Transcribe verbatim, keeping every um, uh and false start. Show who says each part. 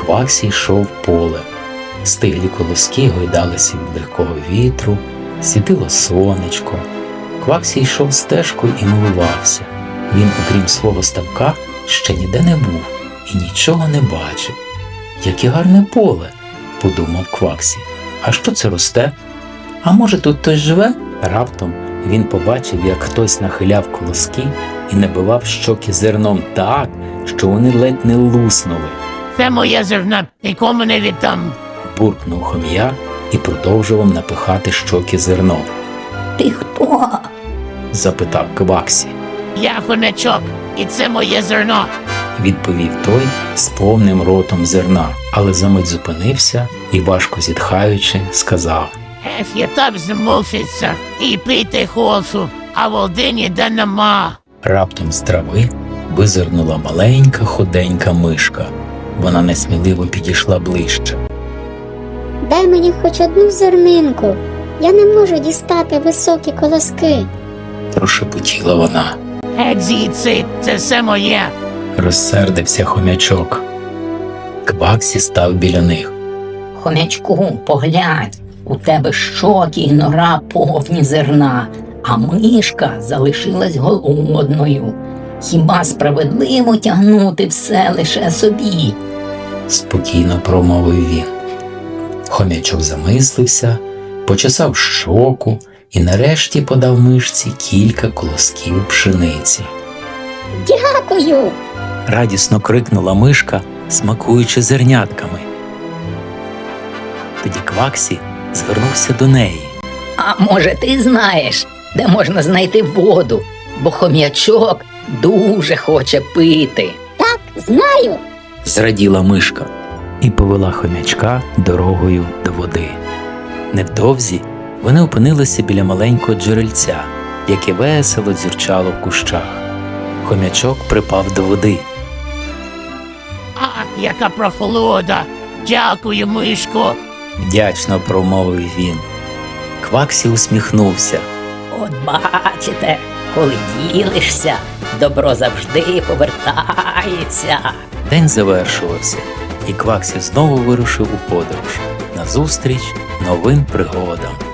Speaker 1: Кваксі йшов полем. Стиглі колоски гойдалися від легкого вітру, світило сонечко. Кваксі йшов стежкою і милувався. Він, окрім свого ставка, ще ніде не був і нічого не бачив. «Яке гарне поле!» – подумав Кваксі. «А що це росте? А може, тут хтось живе?» Раптом він побачив, як хтось нахиляв колоски і набивав щоки зерном так, що вони ледь не луснули.
Speaker 2: «Це моє зерно, нікому не віддам!»
Speaker 1: – буркнув хом'як і продовжував напихати щоки зерном.
Speaker 3: «Ти хто?»
Speaker 1: – запитав Кваксі.
Speaker 2: «Я хомячок, і це моє зерно!»
Speaker 1: – відповів той з повним ротом зерна, але за мить зупинився і, важко зітхаючи, сказав:
Speaker 2: «Еф, я так змуситься і пити хочу, а води ніде нема!»
Speaker 1: Раптом з трави визирнула маленька худенька мишка. Вона несміливо підійшла ближче.
Speaker 4: «Дай мені хоч одну зернинку, я не можу дістати високі колоски»,
Speaker 1: – прошепотіла вона.
Speaker 2: «Геть звідси, це все моє!»
Speaker 1: – розсердився хомячок. Кваксі став біля них.
Speaker 3: «Хомячку, поглянь, у тебе щоки й нора повні зерна, а мишка залишилась голодною. Хіба справедливо тягнути все лише собі?»
Speaker 1: – спокійно промовив він. Хомячок замислився, почесав щоку і нарешті подав мишці кілька колосків пшениці.
Speaker 4: «Дякую!»
Speaker 1: – радісно крикнула мишка, смакуючи зернятками. Тоді Кваксі звернувся до неї.
Speaker 3: «А може, ти знаєш, де можна знайти воду, бо хом'ячок дуже хоче пити?»
Speaker 4: «Так, знаю!»
Speaker 1: – зраділа мишка і повела хомячка дорогою до води. Невдовзі вони опинилися біля маленького джерельця, яке весело дзюрчало в кущах. Хомячок припав до води.
Speaker 2: «Ах, яка прохолода! Дякую, мишко!»
Speaker 1: – вдячно промовив він. Кваксі усміхнувся.
Speaker 3: «От бачите, коли ділишся, добро завжди повертається!»
Speaker 1: День завершувався, і Кваксі знову вирушив у подорож назустріч новим пригодам.